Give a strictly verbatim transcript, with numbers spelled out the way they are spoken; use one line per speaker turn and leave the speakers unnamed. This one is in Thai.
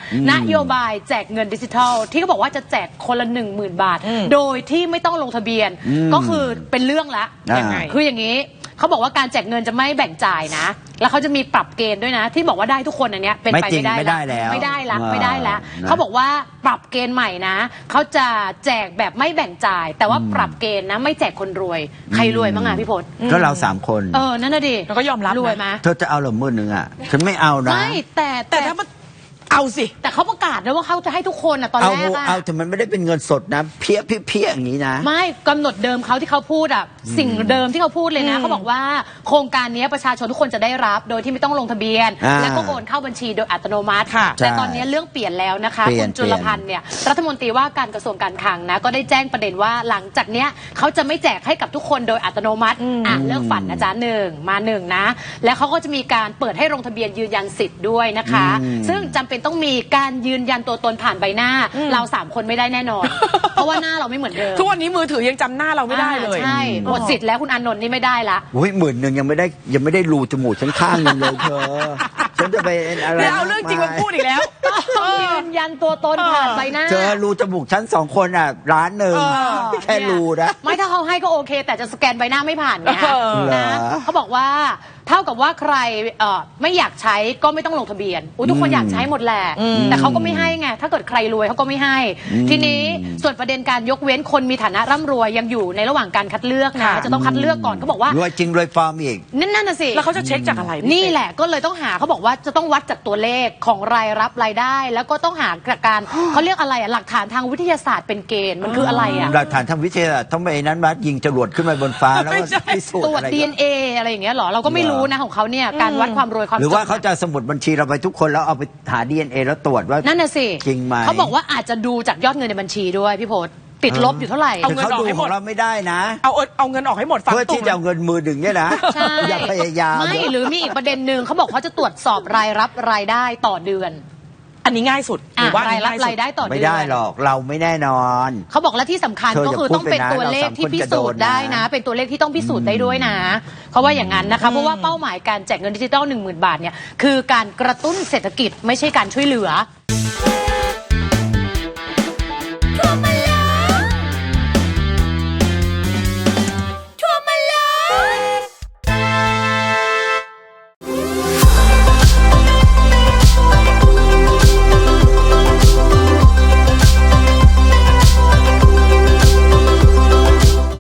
นโยบายแจกเงินดิจิทัลที่เขาบอกว่าจะแจกคนละหนึ่งหมื่นบาทโดยที่ไม่ต้องลงทะเบียนก็คือเป็นเรื่องละยังไงคืออย่างนี้เขาบอกว่าการแจกเงินจะไม่แบ่งจ่ายนะแล้วเขาจะมีปรับเกณฑ์ด้วยนะที่บอกว่าได้ทุกคนอันเนี้ยเป็นไปไม่ได้ไม่ได้แล้วไม่ได้ละไม่ได้แล้วเขาบอกว่าปรับเกณฑ์ใหม่นะเขาจะแจกแบบไม่แบ่งจ่ายแต่ว่าปรับเกณฑ์นะไม่แจกคนรวยใครรวยบ้างอ่ะพี่พจน์
ก็เราสามคน
เออนั่นน่ะดิ
เราก็ยอมรับ
รวยไหม
เธอจะเอาหรือมื่นหนึ่งอ่ะฉันไม่เอานะ
ไม่แต่
แต่ถ้ามันเอาสิ
แต่เขาประกาศนะว่าเขาจะให้ทุกคนอ่ะตอนแรกอะ
เอาแต่มันไม่ได้เป็นเงินสดนะเพี้ยเพี้ยอย่างนี้นะ
ไม่กำหนดเดิมเขาที่เขาพูดอ่ะสิ่งเดิมที่เขาพูดเลยนะเขาบอกว่าโครงการนี้ประชาชนทุกคนจะได้รับโดยที่ไม่ต้องลงทะเบียนแล้วก็โอนเข้าบัญชีโดยอัตโนมัติแต่ตอนนี้เรื่องเปลี่ยนแล้วนะคะคุณจุลพันธ์เนี่ยรัฐมนตรีว่าการกระทรวงการคลังนะก็ได้แจ้งประเด็นว่าหลังจากเนี้ยเขาจะไม่แจกให้กับทุกคนโดยอัตโนมัติอ่ะเลิกฝันนะจ๊ะหนึ่งมาหนึ่งนะแล้วเขาก็จะมีการเปิดให้ลงทะเบียนยืนยันสิทธิ์ด้วยนะคะซึ่งจำเป็นต้องมีการยืนยันตัวตนผ่านใบหน้าเราสามคนไม่ได้แน่นอนเพราะว่าหน้าเราไม่เหมือนเดิม
ทุกวันนี้มือถือยังจำหน้าเราไม่ได้เลย
ใช่หมดสิทธิ์แล้วคุณอานนท์นี่ไม่ได้ละ
อุ้ยหมื่นหนึ่งยังไม่ได้ยังไม่ได้รูจมูกฉันข้างนึงเลยเธอฉันจะไปอะไร
เอาเรื่องจริงมาพูดอีกแล้ว
ยืนยันตัวตนผ่านใบหน้า
เจอรูจมูกฉันสองคนอ่ะร้านหนึ่งแค่รูนะ
ไม่ถ้าเขาให้ก็โอเคแต่จะสแกนใบหน้าไม่ผ่านไงนะเขาบอกว่าเท่ากับว่าใครไม่อยากใช้ก็ไม่ต้องลงทะเบียนทุกคนอยากใช้หมดแหละแต่เขาก็ไม่ให้ไงถ้าเกิดใครรวยเขาก็ไม่ให้ทีนี้ส่วนประเด็นการยกเว้นคนมีฐานะร่ำรวยยังอยู่ในระหว่างการคัดเลือกนะจะต้องคัดเลือกก่อนเขาบอกว่าร
วยจริงรวยฟอร์มอีก
นั่นนั่นน่ะสิ
แล้วเขาจะเช็คจากอะไร
นี่แหละก็เลยต้องหาเขาบอกว่าจะต้องวัดจากตัวเลขของรายรับรายได้แล้วก็ต้องหาการเขาเรียกอะไรอ่ะหลักฐานทางวิทยาศาสตร์เป็นเกณฑ์มันคืออะไรอ่ะ
หลักฐานทางวิทยาศาสตร์ต้องไปนั้นวัดยิงจรวดขึ้นมาบนฟ้าแล้วพิสูจน์
ตรวจ ดี เอ็น เอ อะไรอย่างเงี้ยหรอเราก็ไม่รู้นะของเขาเนี่ยการวัดความรวยความจน
หรือว่าเขาจะสมุดบัญชีเราไปทุกคนแล้วเอาไปหา ดี เอ็น เอ แล้วตรวจว่า
นั่นน่ะสิ
จริงไหม
เขาบอกว่าอาจจะดูจากยอดเงินในบัญชีด้วยพี่พศติดลบอยู่เท่าไหร่
เอาเงินออกให้หมดเราไม่ได้นะ
เอาเอาเงินออกให้หมด
เพื่อที่จะเอาเงินมือหนึ่งเนี่ยนะอย่าพยายาม
ไม่หรือมีอีกประเด็นหนึ่งเขาบอกเขาจะตรวจสอบรายรับรายได้ต่อเดือน
อันนี้ง่ายสุดหรือว่าร
ายรับรายได้ต่อเดือน
ไม่ได้หรอกเราไม่แน่นอน
เขาบอกและที่สำคัญก็คือต้องเป็นตัวเลขที่พิสูจน์ได้นะเป็นตัวเลขที่ต้องพิสูจน์ได้ด้วยนะเขาว่าอย่างนั้นนะคะเพราะว่าเป้าหมายการแจกเงินดิจิทัลหนึ่งหมื่นบาทเนี่ยคือการกระตุ้นเศรษฐกิจไม่ใช่การช่วยเหลือ